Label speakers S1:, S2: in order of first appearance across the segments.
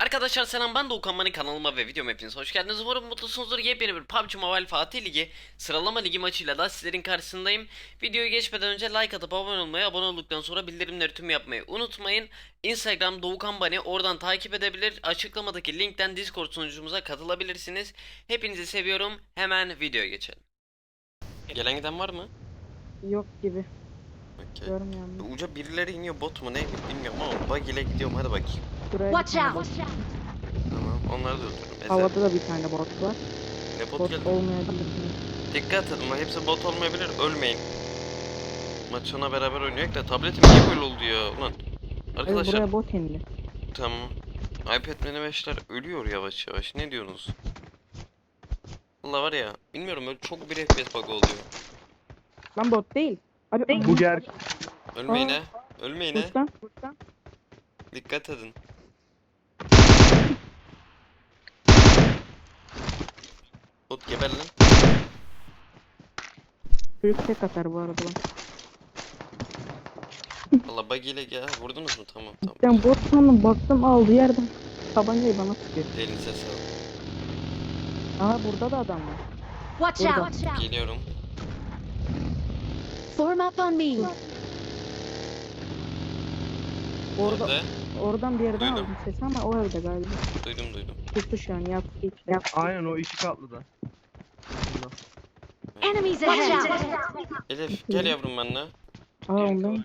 S1: Arkadaşlar selam, ben Doğukan Mani, kanalıma ve videoma hepiniz hoş geldiniz. Umarım mutlusunuzdur. Yepyeni bir PUBG Mobile Fatih Ligi sıralama ligi maçıyla da sizlerin karşısındayım. Videoyu geçmeden önce like atıp abone olmayı, abone olduktan sonra bildirimleri tüm yapmayı unutmayın. Instagram Doğukan Mani, oradan takip edebilir. Açıklamadaki linkten Discord sunucumuza katılabilirsiniz. Hepinizi seviyorum. Hemen videoya geçelim. Gelen giden var mı?
S2: Yok gibi.
S1: Okay.
S2: Görmüyorum.
S1: Uca birileri iniyor, bot mu ne bilmiyorum ama bug ile gidiyorum, hadi bakayım.
S2: Şuraya
S3: Watch
S2: bir tane
S3: out!
S2: bot.
S1: Tamam, onları da öldürürüm.
S2: Havada da bir tane bot var.
S1: Ne bot
S2: Bot
S1: geldi?
S2: olmayabilir.
S1: Dikkat edin, hepsi bot olmayabilir, ölmeyin. Maç sona beraber oynuyor da tabletim niye böyle oldu ya ulan.
S2: Evet,
S1: Arkadaşlar
S2: buraya bot indi.
S1: tamam. iPad mini 5'ler ölüyor yavaş yavaş, ne diyorsunuz? Valla var ya, bilmiyorum, öyle çok bir FPS bug oluyor.
S2: Lan bot değil. Abi
S4: Bu gerçek.
S1: Ölmeyin
S2: Aa.
S1: he. Ölmeyin he.
S2: Buradan.
S1: Dikkat edin. Bot geber lan.
S2: Çocuk tek atar bu arada lan.
S1: Valla bug ile gel, vurdunuz mu? Tamam.
S2: Ben bot sandım, baktım aldı yerden. Tabancayı bana sıkıyor.
S1: Elinize sağlık.
S2: Aa, burada da adam var.
S3: Watch
S2: Burada.
S3: out!
S1: Geliyorum.
S3: Form up on me.
S2: Orada,
S1: Nerede?
S2: oradan bir yerden
S1: Duydum.
S2: aldım sesi ama o evde galiba.
S1: Duydum.
S2: Tuttu şu an, yaptı.
S4: Aynen o iki katlı da.
S3: Enemies ahead!
S1: Elif gel yavrum benimle.
S2: Aa, ondan.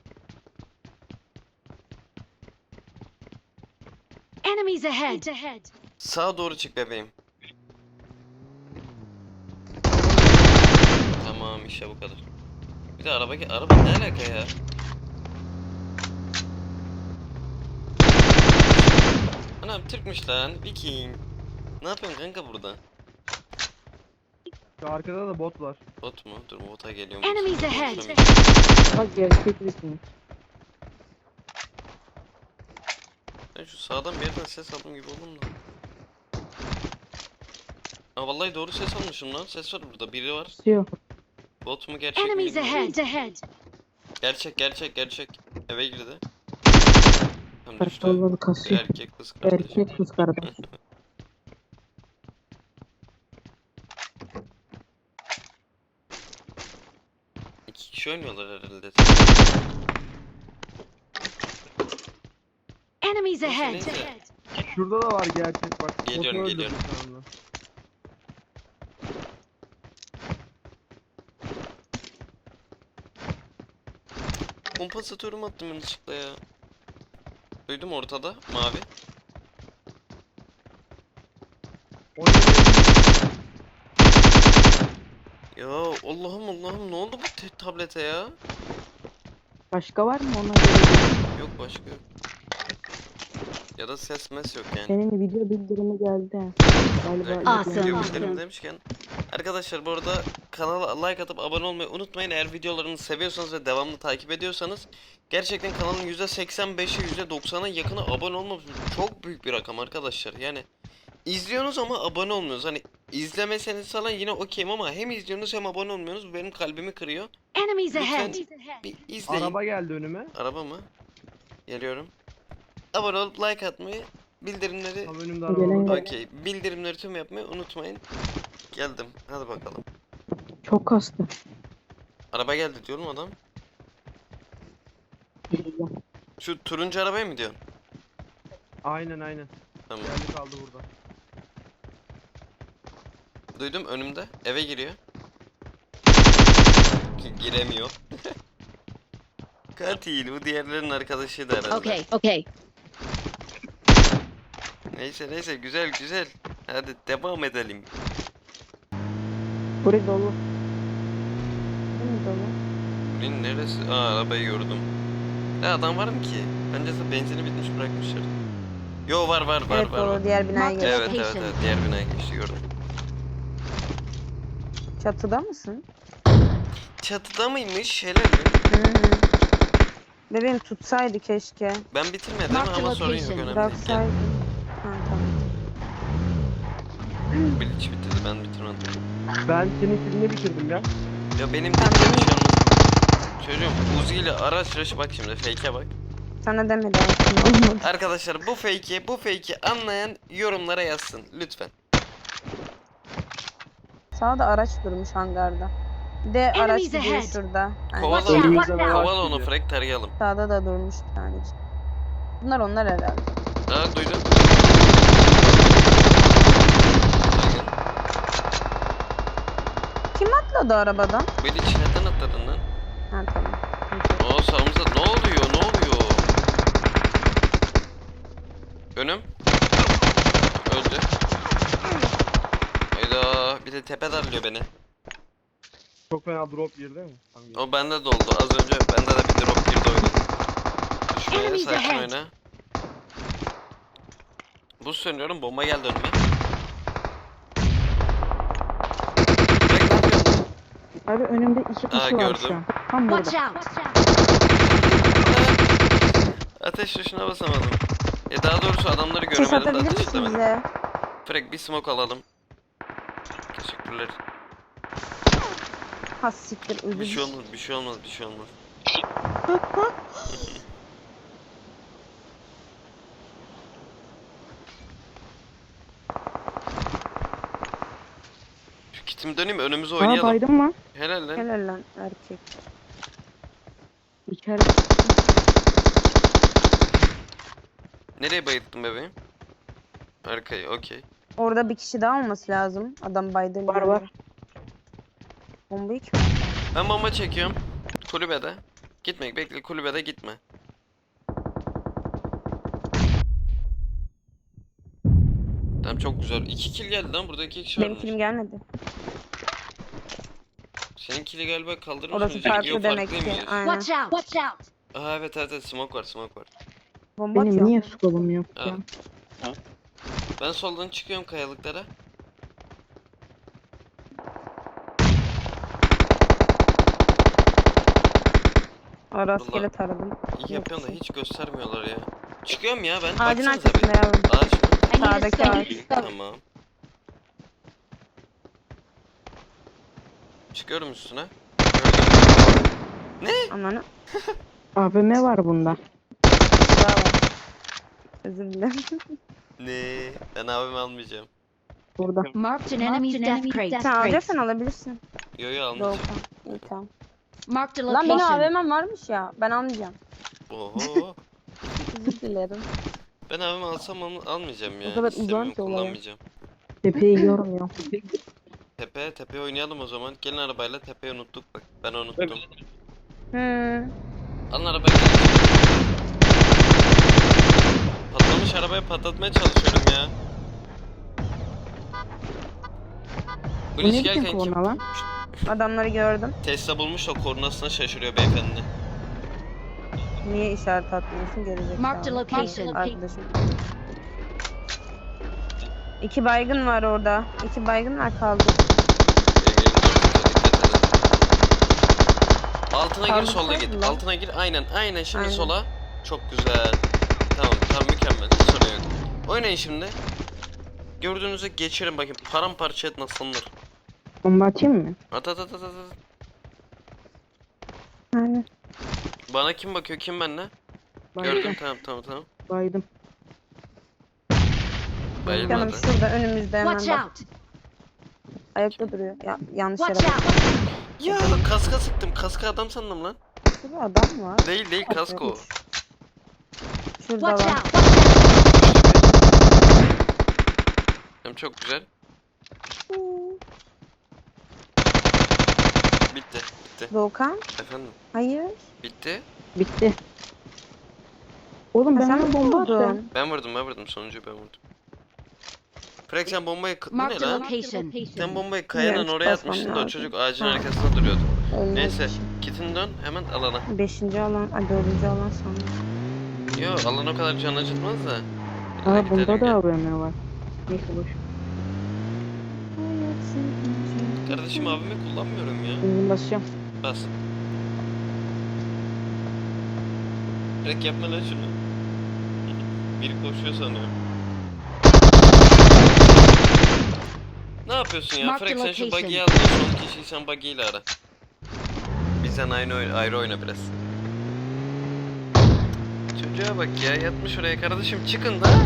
S3: Enemies ahead!
S1: Sağa doğru çık bebeğim. Tamam, işte bu kadar. Bir de araba ne alaka ya? Anam Türkmüş lan, Viking. Ne yapıyorsun kanka burada?
S4: Şu arkada da bot var.
S1: Bot mu? Dur, bota geliyorum.
S3: Enemies ahead!
S2: Bak gerçek misin?
S1: Ben şu sağdan bir yerden ses aldım gibi oldum da. Aa, vallahi doğru ses almışım lan. Ses var burada, biri var.
S2: Tutuyor.
S1: Bot mu gerçek mi
S3: Enemies
S1: bilmiyorum.
S3: ahead!
S1: Gerçek. Eve girdi. Hem düştü.
S2: Kartalları kasıyor.
S1: Erkek kız kardeş.
S2: Erkek kız kardeş.
S1: İki kişi oynuyorlar herhalde.
S3: Enemies ahead!
S1: Neyse.
S4: Şurada da var gerçek bak.
S1: Geliyorum,
S4: Botu
S1: geliyorum.
S4: öldürdüm şu anda.
S1: Kompansatörüm attım yanlışlıkla ya. Duydum ortada mavi. Ya Allah'ım ne oldu bu tablete ya?
S2: Başka var mı ona göre?
S1: Yok, başka yok. Ya da ses mes yok yani.
S2: Senin video bildirimi geldi. Galiba.
S3: Awesome.
S1: Video
S3: Awesome.
S1: bildirim demişken, arkadaşlar bu arada kanala like atıp abone olmayı unutmayın. Eğer videolarımı seviyorsanız ve devamlı takip ediyorsanız, gerçekten kanalın %85'i %90'a yakını abone olmamış. Çok büyük bir rakam arkadaşlar. Yani izliyorsunuz ama abone olmuyorsunuz. Hani izlemeseniz falan yine okeyim ama hem izliyorsunuz hem abone olmuyorsunuz. Bu benim kalbimi kırıyor.
S3: Enemies ahead!
S1: Bir izleyin.
S4: Araba geldi önüme.
S1: Araba mı? Geliyorum. Abone olup like atmayı, bildirimleri...
S4: Tam önümde araba
S2: Gelen
S4: var.
S2: gel-
S1: Okey. Bildirimleri tüm yapmayı unutmayın. Geldim. Hadi bakalım.
S2: Çok kastı.
S1: Araba geldi diyorum adam. Şu turuncu arabaya mı diyorsun?
S4: Aynen.
S1: Tamam.
S4: Geldi kaldı burada.
S1: Duydum, önümde. Eve giriyor. Giremiyor. Katil. Bu diğerlerin arkadaşıydı herhalde.
S3: Okay.
S1: Neyse. Güzel. Hadi devam edelim.
S2: Burası dolu. Değil mi dolu?
S1: Bunun neresi? Aa, arabayı gördüm. Ne adam var mı ki? Bence de benzini bitmiş, bırakmışlar. Yo, var.
S5: Evet, doğru. Diğer binaya
S3: Marked
S5: geç.
S1: Evet. Diğer binaya geçti, gördüm.
S5: Çatıda mısın?
S1: Çatıda mıymış? Helal mi?
S5: Hı hı. Bebeğim tutsaydı keşke.
S1: Ben bitirmedim
S3: Marked
S1: ama sorun yok,
S3: location.
S1: önemli değil.
S5: Bıraksaydın. Ha, tamam.
S1: Bilic bitirdi, ben bitirmedim.
S4: Ben senin filmini bitirdim ya.
S1: Ya benim de bir şey olmaz. Çocuğum Uzi ile araç bak şimdi, fake'e bak.
S5: Sana demedim aslında, olmadı.
S1: Arkadaşlar bu fake'i anlayan yorumlara yazsın lütfen.
S5: Sağda araç durmuş hangarda. Bir de araç
S3: Enemies
S5: gidiyor
S3: ahead.
S5: şurada. Yani
S1: Kovala
S3: Watch out,
S1: onu.
S3: watch out.
S1: Kovala onu Frank, tarayalım.
S5: sağda da durmuş bir tane. Bunlar onlar herhalde.
S1: Aa, duydum.
S5: Kim atladı arabadan?
S1: Beni içinden atladın lan.
S5: Ha tamam.
S1: Aa, sağımızda ne oluyor? Önüm. Öldü. Hayda, bir de tepe darlıyor beni.
S4: Çok fena drop girdi mi? Hangi?
S1: O bende de oldu. Az önce bende de bir drop girdi oyuna. Düşmeye
S3: Enemies
S1: sakin
S3: ahead.
S1: oyna. Buz söylüyorum, bomba geldi önüme. Direkt ne yapıyorsun?
S2: Abi önümde 2 kişi var
S1: gördüm.
S2: şu an. Tam burada.
S3: Watch out!
S1: Ateş tuşuna basamadım. Daha doğrusu adamları
S5: Ses
S1: göremedim de
S5: atabilir
S1: ateş
S5: misin
S1: edemedim.
S5: bize?
S1: Frank, bir smoke alalım. Teşekkürler.
S5: Ha siktir
S1: Bir
S5: özür
S1: şey olmaz, bir şey olmaz, bir şey olmaz. Şu kitimi döneyim, önümüze
S2: Aa
S1: oynayalım.
S2: baydım lan.
S1: Helal lan.
S5: Helal lan erkek.
S2: İçeride.
S1: Nereye bayılttın bebeğim? Arkayı, okey.
S5: Orada bir kişi daha olması lazım. Adam baydı.
S2: Var, var.
S5: Bombayı kim?
S1: Ben bomba çekiyorum. Kulübede. Gitme, bekle, kulübede gitme. Tamam, çok güzel. 2 kill geldi lan, burada 2 kişi
S5: Benim
S1: varmış.
S5: film gelmedi.
S1: Senin kill'i galiba kaldırmış
S5: Orası
S1: mıyız?
S5: farklı
S1: Yok,
S5: demek
S1: farklı
S5: ki.
S1: mıyız?
S5: Aynen.
S3: Watch out! Watch out!
S1: Aa, evet evet, smoke var, smoke var.
S5: Bomba
S2: Benim
S5: atıyor.
S2: niye skolum yok
S1: Aa.
S2: ya?
S1: Ben soldan çıkıyorum kayalıklara.
S5: Aa, rastgele
S1: Vallahi
S5: taradım.
S1: İyi yapıyorum da hiç göstermiyorlar ya. Çıkıyorum ya ben.
S5: Ağacın
S1: Baksanıza bir.
S5: arkasında yavrum.
S1: Ağaç mı?
S3: I need a
S5: Sağdaki
S3: scope.
S5: ağaç.
S1: Tamam. Çıkıyorum üstüne. Gördüm.
S5: Ananı.
S2: AVM var bunda.
S5: Bravo. Özür dilerim.
S1: Ne? Ben abimi almayacağım.
S2: Burada.
S3: Marked an enemy's death crate.
S5: Sen alacaksan alabilirsin.
S1: Yo yo, almayacağım.
S5: Doğukan. İyi tamam.
S3: Marked a
S5: Lan benim
S3: location.
S5: AVM'm varmış ya. Ben almayacağım.
S1: Oho.
S5: Özür dilerim.
S1: Ben abimi alsam almayacağım ya.
S2: O kadar
S1: İstemiyorum,
S2: uzak ki olaya.
S1: kullanmayacağım.
S2: Tepeyi görmüyor.
S1: Tepe oynayalım o zaman. Gelin arabayla, tepeyi unuttuk bak. Ben unuttum. Alın arabayı. Patlamış arabayı patlatmaya çalışıyorum ya. Bu
S2: Bu ne
S1: iş
S2: biçim
S1: gelken kim?
S2: korna lan?
S5: Adamları gördüm.
S1: Tesla bulmuş da kornasına şaşırıyor beyefendi.
S5: Niye işaret atmıyorsun gelecek.
S3: Marked a location.
S5: Arkadaşım. 2 baygın var orada. 2 baygın var kaldı.
S1: Altına gir,
S5: Kaldı
S1: solda git.
S5: mı?
S1: Altına gir. Aynen şimdi
S5: Aynen.
S1: sola. Çok güzel. Tamam mükemmel. Hiç sorun yok. Oynayın şimdi. Gördüğünüzde geçirin bakayım. Paramparça et nasıldır.
S2: Bomba atayım mı?
S1: At.
S5: Aynen.
S1: Bana kim bakıyor, kim benle? Gördüm, tamam.
S2: Baydım.
S1: Bayılmadı.
S5: Canım şurada önümüzde hemen
S3: Watch
S5: bak.
S3: out!
S5: Ayakta duruyor. Ya, yanlış yere
S3: Watch
S5: bak.
S3: out!
S1: Ya kaska sıktım. Kaska adam sandım lan.
S5: Şurada adam var.
S1: Değil kasko. o.
S5: Şurada
S3: Watch
S5: var.
S3: out!
S1: Hem çok güzel. Bitti.
S5: Doğukan?
S1: Efendim.
S5: Hayır.
S1: Bitti.
S2: Bitti. Oğlum ben
S5: Sen
S2: ona bomba attım.
S5: vurdun.
S1: Ben vurdum. Sonuncuyu ben vurdum. Frank, sen bombayı... Bu ne
S3: Marked a
S1: lan?
S3: location.
S1: Sen bombayı kayanın
S5: Bilmiyorum,
S1: oraya
S5: basmam
S1: atmıştın da o
S5: lazım.
S1: çocuk ağacın
S5: Ha.
S1: arkasında duruyordu.
S5: Olmaz
S1: Neyse.
S5: bir şey.
S1: Kitin dön hemen alana.
S5: 5. alan, 4. alan sandım.
S1: Yo, alan o kadar can acıtmaz da.
S2: Aa bunda
S1: Gidelim,
S2: da
S1: gel.
S2: AVM var. Neyse boş.
S1: Kardeşim, abimi kullanmıyorum ya.
S2: Benzin basacağım.
S1: Bas. Frank, yapma lan şunu. Biri koşuyor sanıyorum. Ne yapıyorsun ya?
S3: Mark
S1: Frank,
S3: the
S1: sen şu
S3: location.
S1: buggy'yi al da son kişiyi sen buggy ile ara. Bizden ayrı oyna biraz. Çocuğa bak ya, yatmış oraya. Kardeşim çıkın da.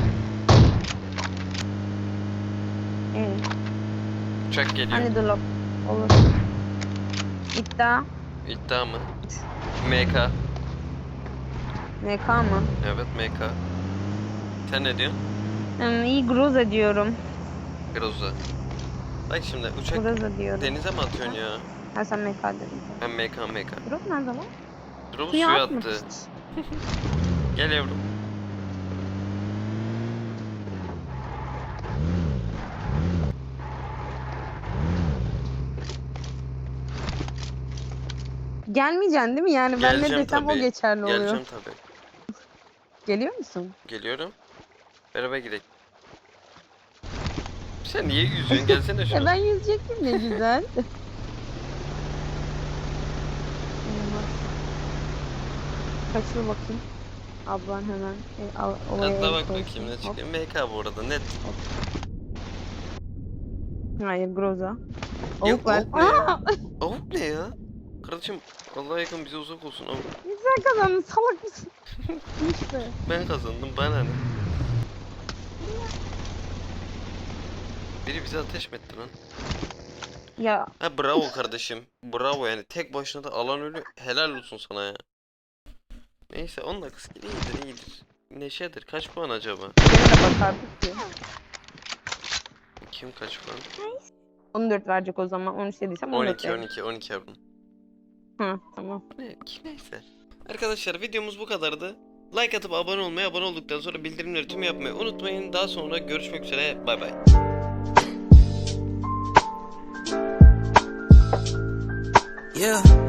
S1: Uçak geliyor.
S5: Hani drop olur. İddia.
S1: İddia mı? MK.
S5: MK mı?
S1: Evet, MK. Sen ne diyorsun?
S5: İyi Groza diyorum.
S1: Groza. Bak şimdi uçak
S5: Groza diyorum.
S1: denize mi atıyorsun ya?
S5: Ha sen MK dedin.
S1: Ben MK.
S5: Drop nerede lan?
S1: Drop'u
S5: Suya
S1: suya
S5: atmış.
S1: attı. Gel yavrum.
S5: Gelmeyeceksin değil mi? Yani ben ne
S1: Geleceğim
S5: desem o
S1: tabii.
S5: geçerli oluyor.
S1: Geleceğim tabii.
S5: Geliyor musun?
S1: Geliyorum. Beraber gidelim. Sen niye yüzüyorsun? Gelsene şuna.
S5: Ben yüzecektim ne güzel. Kaçır bakayım. Ablan hemen olaya
S1: Atla
S5: el
S1: bak
S5: koysun.
S1: bakayım ne
S5: Hop.
S1: çıkıyor. MK bu arada net.
S5: Hayır Groza.
S1: Ya,
S5: Avuk ver.
S1: avuk ne ya?
S5: Aa!
S1: Avuk ne ya? Kardeşim Allah'a yakın bize uzak olsun avuk.
S5: Sen kazandın salak mısın? İşte.
S1: Ben kazandım bana ne? Biri bize ateş mi etti lan?
S5: Ya
S1: Ha bravo kardeşim. Bravo yani tek başına da alan ölü helal olsun sana ya. Neyse 10 dakika iyidir. Neşedir. Kaç puan acaba?
S5: gene de bakardık ki.
S1: Kim kaç puan?
S5: 14 verecek o zaman. 13 dediysem 14
S1: 12 yavrum.
S5: Hı tamam.
S1: Neyse. Arkadaşlar videomuz bu kadardı. Like atıp abone olduktan sonra bildirimleri tüm yapmayı unutmayın. Daha sonra görüşmek üzere. Bay bay.
S6: Yeah.